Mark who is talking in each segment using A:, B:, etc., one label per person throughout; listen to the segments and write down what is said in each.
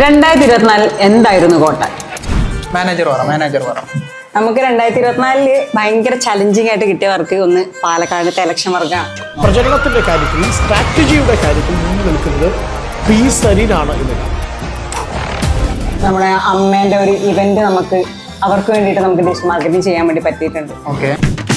A: 2024 എന്തായിരുന്നു കോട്ട?
B: മാനേജർ പറ.
A: നമുക്ക് 2024 ഭയങ്കര ചലഞ്ചിങ് ആയിട്ട് കിട്ടിയ വർക്ക് ഒന്ന് പാലക്കാടത്തെ ഇലക്ഷൻ വർക്കാണ്.
C: പ്രചരണത്തിന്റെ കാര്യത്തിൽ സ്ട്രാറ്റജിയുടെ കാര്യത്തിൽ മുന്നിൽ നിൽക്കുന്നത് പി സരീനാണ് എന്നതാണ്.
A: നമ്മുടെ അമ്മേന്റെ ഒരു ഇവന്റ് നമുക്ക് അവർക്ക് വേണ്ടിയിട്ട് നമുക്ക് ഡിഷ് മാർക്കറ്റിംഗ് ചെയ്യാൻ വേണ്ടി പറ്റിയിട്ടുണ്ട്.
B: ഓക്കെ.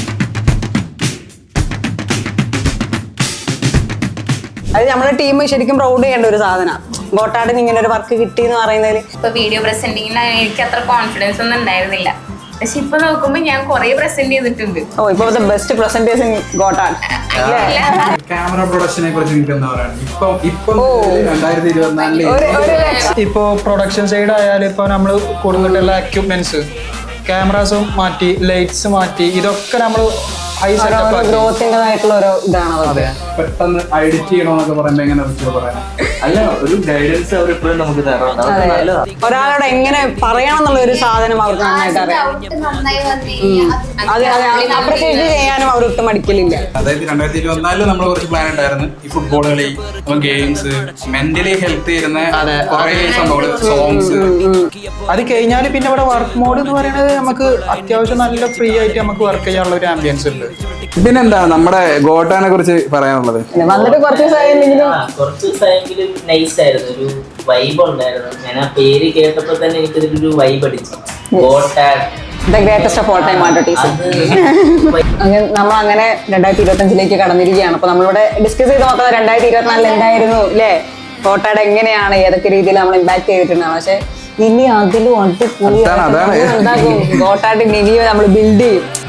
A: അത് നമ്മുടെ ടീം ശരിക്കും പ്രൗഡ് ചെയ്യേണ്ട ഒരു സാധനമാണ്. ഗോട്ടാടിന് ഇങ്ങനെ ഒരു വർക്ക് കിട്ടി എന്ന് പറയുന്നതിൽ
D: ഇപ്പൊ വീഡിയോ പ്രസന്റിങ്ങിന് എനിക്ക് അത്ര കോൺഫിഡൻസ് ഒന്നും ഉണ്ടായിരുന്നില്ല. പക്ഷെ ഇപ്പൊ നോക്കുമ്പോ ഞാൻ കുറെ പ്രസന്റ് ചെയ്തിട്ടുണ്ട്.
A: ഇപ്പൊ ബെസ്റ്റ് പ്രസന്റേഴ്സ് ഇൻ ഗോട്ടാട്.
E: ക്യാമറ പ്രൊഡക്ഷനെ കുറിച്ച് നിങ്ങൾക്ക് എന്താ പറയുക? ഇപ്പം 2024
B: ഇപ്പോ പ്രൊഡക്ഷൻ സൈഡ് ആയാലും ഇപ്പൊ നമ്മൾ കൊടുത്തിട്ടുള്ള എക്യുപ്മെന്റ്സ്, ക്യാമറാസും മാറ്റി, ലൈറ്റ്സ് മാറ്റി, ഇതൊക്കെ നമ്മൾ ഹൈ സെറ്റപ്പ്
A: ഗ്രോത്തിൻ്റെതായിട്ടുള്ള ഓരോ ഇതാണ്.
B: അതെ.
E: പെട്ടെന്ന് എഡിറ്റ് ചെയ്യണമെന്നൊക്കെ പറയുമ്പോ എങ്ങനെ പറയാം?
F: അല്ല, ഒരു ഗൈഡൻസ് അവർ ഇപ്പോഴും നമുക്ക് തരണം. അതൊക്കെ നല്ലതാണ്.
A: ഒരാളോട് എങ്ങനെ പറയണം എന്നുള്ള ഒരു സാധനം അവർക്ക് നന്നായിട്ട് അറിയാം. അത് അപ്രിഷിയേറ്റ് ചെയ്യാനും അവർ ഒട്ടും മടിക്കലില്ല.
E: അതായത് 2024 നമ്മൾ കുറച്ച് പ്ലാൻ ഉണ്ടായിരുന്നു. ഈ ഫുട്ബോൾ കളി, ഗെയിംസ്, മെന്റലി ഹെൽത്ത് ചെയ്യുന്ന കുറെ സംഭവങ്ങൾ, സോങ്സ്.
B: അത് കഴിഞ്ഞാൽ പിന്നെ ഇവിടെ വർക്ക് മോഡ് എന്ന് പറയുന്നത് നമുക്ക് അത്യാവശ്യം നല്ല ഫ്രീ ആയിട്ട് നമുക്ക് വർക്ക് ചെയ്യാനുള്ള ഒരു ആംബിയൻസ് ഉണ്ട്.
E: പിന്നെന്താ നമ്മുടെ ഗോട്ടാനെ കുറിച്ച് പറയാനുള്ളത്?
A: വന്നിട്ട് കുറച്ച്
F: കുറച്ച് ദിവസമെങ്കിലും നൈസ് ആയിരുന്നു, ഒരു വൈബ് ഉണ്ടായിരുന്നു. ഞാൻ ആ പേര് കേട്ടപ്പോ തന്നെ എനിക്കൊരു വൈബ് അടിച്ചു.
A: The greatest of all time artist. നമ്മൾ അങ്ങനെ 2025 കടന്നിരിക്കുകയാണ്. അപ്പൊ നമ്മളിവിടെ ഡിസ്കസ് ചെയ്ത് നോക്കാം 2024 എന്തായിരുന്നു അല്ലേ, ഗോട്ടാട് എങ്ങനെയാണ്, ഏതൊക്കെ രീതിയിൽ നമ്മൾ ഇമ്പാക്ട് ചെയ്തിട്ടുണ്ടാണ്. പക്ഷെ ഇനി അതിലും അടിപൊളി ഉണ്ടാകും. ഗോട്ടാട് ഇനി നമ്മൾ ബിൽഡ് ചെയ്യും.